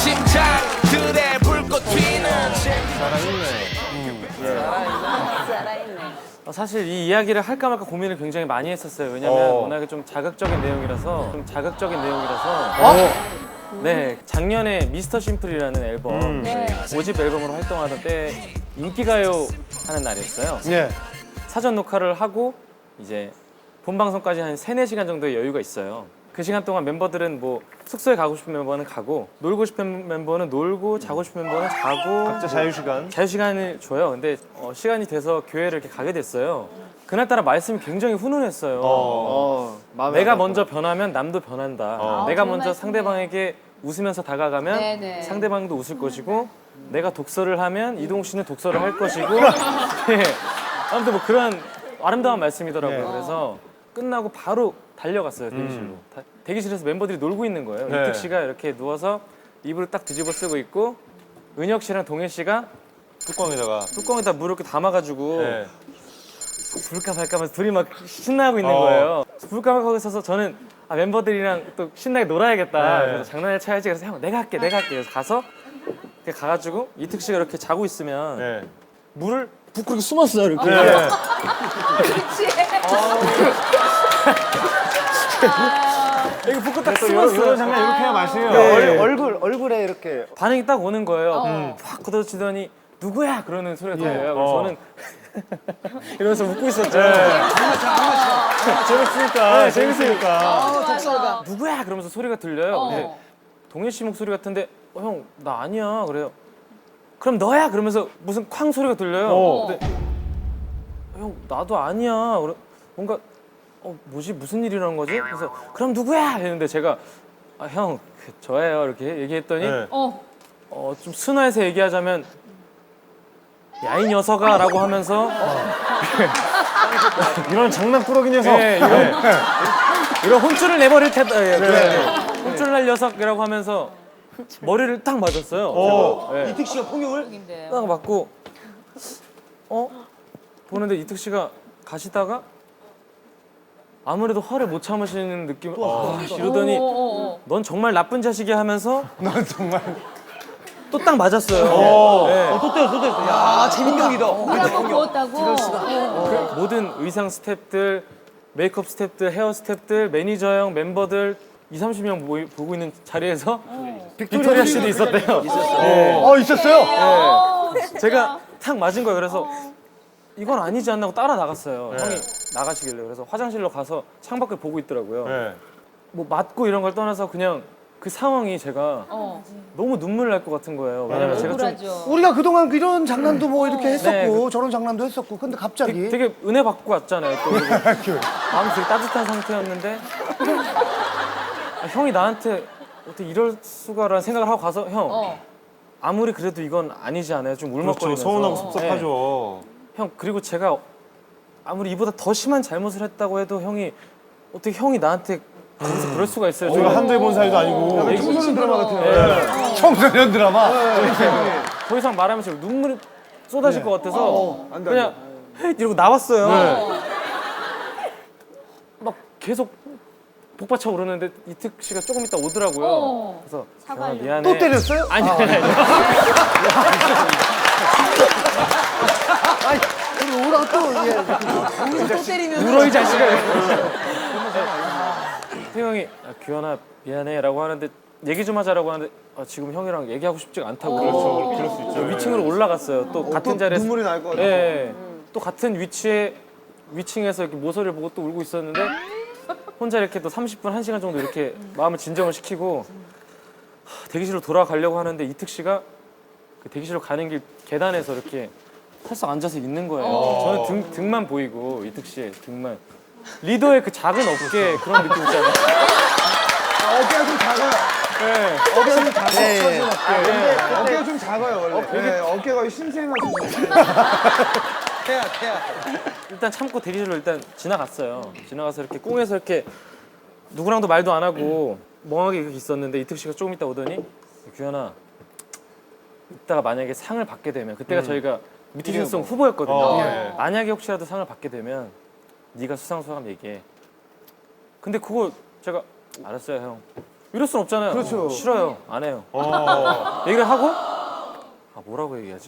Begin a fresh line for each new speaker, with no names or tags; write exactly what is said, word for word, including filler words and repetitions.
심장들의 불꽃 튀는
어, 사실 이 이야기를 할까 말까 고민을 굉장히 많이 했었어요. 왜냐면
어.
워낙에 좀 자극적인 내용이라서 좀 자극적인 내용이라서 네, 작년에 미스터 심플이라는 앨범 오 집 앨범으로 활동하던 때 인기가요 하는 날이었어요.
예.
사전 녹화를 하고 이제 본 방송까지 한 세네 시간 정도의 여유가 있어요. 그 시간 동안 멤버들은 뭐 숙소에 가고 싶은 멤버는 가고 놀고 싶은 멤버는 놀고 자고 싶은 멤버는 자고
각자 자유 시간.
자유 시간을 줘요. 근데 어, 시간이 돼서 교회를 이렇게 가게 됐어요. 그날따라 말씀이 굉장히 훈훈했어요.
어.
내가 먼저 변하면 남도 변한다.
어.
내가
좋은
먼저
말씀이네요.
상대방에게 웃으면서 다가가면
네네.
상대방도 웃을 것이고 내가 독서를 하면 이동욱 씨는 독서를 할 것이고 네. 아무튼 뭐 그런 아름다운 말씀이더라고요.
네.
그래서 끝나고 바로 달려갔어요 대기실로.
음.
다- 대기실에서 멤버들이 놀고 있는 거예요.
네.
이특 씨가 이렇게 누워서 이불을 딱 뒤집어 쓰고 있고 은혁 씨랑 동해 씨가
뚜껑에다가.
뚜껑에다 물을 이렇게 담아가지고
네.
불까 말까 하면서 둘이 막 신나고 있는
어.
거예요. 불까 말까 하고 있어서 저는 아, 멤버들이랑 또 신나게 놀아야겠다.
네.
그래서 장난을 쳐야지. 그래서 형 내가 할게 내가 할게. 그래서 가서 이렇게 가가지고 이특 씨가 이렇게 자고 있으면
네.
물을 붓고 이렇게 숨었어요. 이렇게.
네.
이렇게 붓고 딱
또 이런,
숨었어요.
이런 장면 이렇게 해야 맛이에요.
네.
얼, 얼굴 얼굴에 이렇게
반응이 딱 오는 거예요.
어.
확 걷어치더니 누구야? 그러는 소리가 들려요. 그래서
어.
저는 이러면서 웃고 있었죠.
재밌으니까.
네,
재밌으니까.
독설가.
누구야? 그러면서 소리가 들려요.
어.
근데 동현 씨 목소리 같은데 어, 형, 나 아니야. 그래요. 그럼 너야? 그러면서 무슨 쾅 소리가 들려요.
어.
근데 형, 나도 아니야. 그래, 뭔가 어, 뭐지? 무슨 일이라는 거지? 그래서 그럼 누구야? 했는데 제가 아, 형, 그, 저예요. 이렇게 얘기했더니
네.
어.
어, 좀 순화해서 얘기하자면 야, 이 녀석아 라고 하면서
이런 장난꾸러기 녀석.
네, 이런, 이런 혼쭐을 내버릴 테다. 예, 그래. 혼쭐 날 녀석이라고 하면서 머리를 딱 맞았어요.
어.
제가. 예.
이특 씨가 폭력을
인데요.
딱 맞고 어? 보는데 이특 씨가 가시다가 아무래도 화를 못 참으시는 느낌 아, 이러더니
어, 어, 어.
넌 정말 나쁜 자식이야 하면서
난 정말.
또 딱 맞았어요.
어.
네.
또 때려 또 때려. 야 재민경이다.
물 한번 부었다고. 어.
모든 의상 스태프들, 메이크업 스태프들, 헤어 스태프들, 매니저 형, 멤버들 이삼십 명 모이, 보고 있는 자리에서 빅토리아 씨도 있었대요. 네.
어, 있었어요?
어, 진짜.
제가 탁 맞은 거예요. 그래서 이건 아니지 않나 하고 따라 나갔어요.
네.
형이 나가시길래. 그래서 화장실로 가서 창밖을 보고 있더라고요.
네.
뭐 맞고 이런 걸 떠나서 그냥 그 상황이 제가
어.
너무 눈물 날 것 같은 거예요. 왜냐면 제가 좀
억울하죠.
우리가 그동안 이런 장난도 뭐 이렇게 했었고
네,
저런 장난도 했었고 근데 갑자기
되게, 되게 은혜 받고 왔잖아요. 또 그리고 마음이 되게 따뜻한 상태였는데 아, 형이 나한테 어떻게 이럴 수가라는 생각을 하고 가서 형
어.
아무리 그래도 이건 아니지 않아요? 좀
그렇죠.
울먹거리면서
서운하고 섭섭하죠.
네. 형 그리고 제가 아무리 이보다 더 심한 잘못을 했다고 해도 형이 어떻게 형이 나한테 거기서 그럴 수가 있어요?
우리가
저는
한두 번 사이도 아니고.
얘기-
청소년 드라마 같은
네.
청소년 드라마.
더 이상 말하면서 눈물이 쏟아질 것 같아서
어, 안 돼,
그냥 헤이 이러고 나왔어요.
네.
막 계속 복받쳐 오르는데 이특 씨가 조금 있다 오더라고요.
어.
그래서
사과하려고.
아, 미안해.
또 때렸어요?
아니 아니 아니.
그리고 오라가 또 예.
또 때리면.
울어 이 자식아. 태형이 아, 규현아 미안해라고 하는데 얘기 좀 하자라고 하는데 아, 지금 형이랑 얘기하고 싶지가 않다고.
그렇죠. 그럴 수 있죠.
위층으로 올라갔어요. 또 같은
또
자리에서
눈물이 날 것 같아.
예. 또 같은 위치에 위층에서 이렇게 모서리를 보고 또 울고 있었는데 혼자 이렇게 또 삼십 분, 한 시간 정도 이렇게 마음을 진정을 시키고 하, 대기실로 돌아가려고 하는데 이특 씨가 그 대기실로 가는 길 계단에서 이렇게 살짝 앉아서 있는 거예요. 저는 등, 등만 보이고 이특 씨의 등만. 리더의 그 작은 어깨 그런 느낌 있잖아요.
어깨가 좀 작아요.
네.
어깨가 좀 작아요.
네.
근데 어깨가 좀 작아요 원래. 네, 어깨가 신생아서. 태야 태야.
일단 참고 대기실로 일단 지나갔어요. 지나가서 이렇게 꽁에서 이렇게 누구랑도 말도 안 하고 멍하게 이렇게 있었는데 이특 씨가 조금 있다 오더니 규현아 이따가 만약에 상을 받게 되면 그때가 저희가 뮤지션송 후보였거든요.
어, 네.
만약에 혹시라도 상을 받게 되면 네가 수상 소감 얘기해. 근데 그거 제가 알았어요 형. 이럴 순 없잖아요.
그렇죠.
싫어요. 안 해요.
어.
얘기를 하고 아 뭐라고 얘기하지?